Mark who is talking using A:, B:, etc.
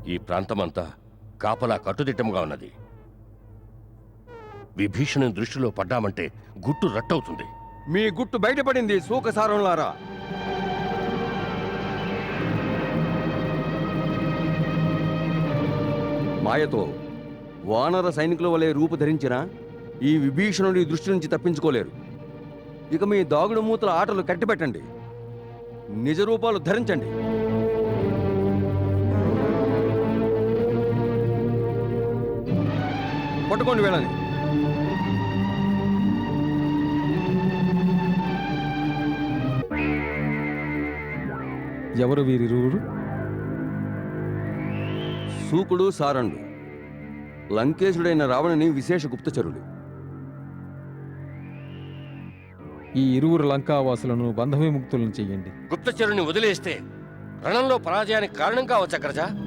A: ఈ ప్రాంతమంతా కాపలా కట్టుదిట్టంగా ఉన్నది. విభీషణుని దృష్టిలో పడ్డామంటే గుట్టు రట్టవుతుంది.
B: మీ గుట్టు బయటపడింది సూకసారంలారా. మాయతో వానర సైనికుల వలె రూపు ధరించిన ఈ విభీషణుడి దృష్టి నుంచి తప్పించుకోలేరు. ఇక మీ దాగుడు మూతల ఆటలు కట్టిపెట్టండి, నిజ రూపాలు ధరించండి. పట్టుకోండి వేళని.
C: ఎవరు వీరిరువురు?
B: సూకుడు సారండు లంకేశుడైన రావణుని విశేష గుప్తచరులు.
C: ఈ ఇరువురు లంకావాసులను బంధవిముక్తులను చెయ్యండి.
A: గుప్తచరుని వదిలేస్తే రణంలో పరాజయానికి కారణం కావచ్చు అగ్రజ.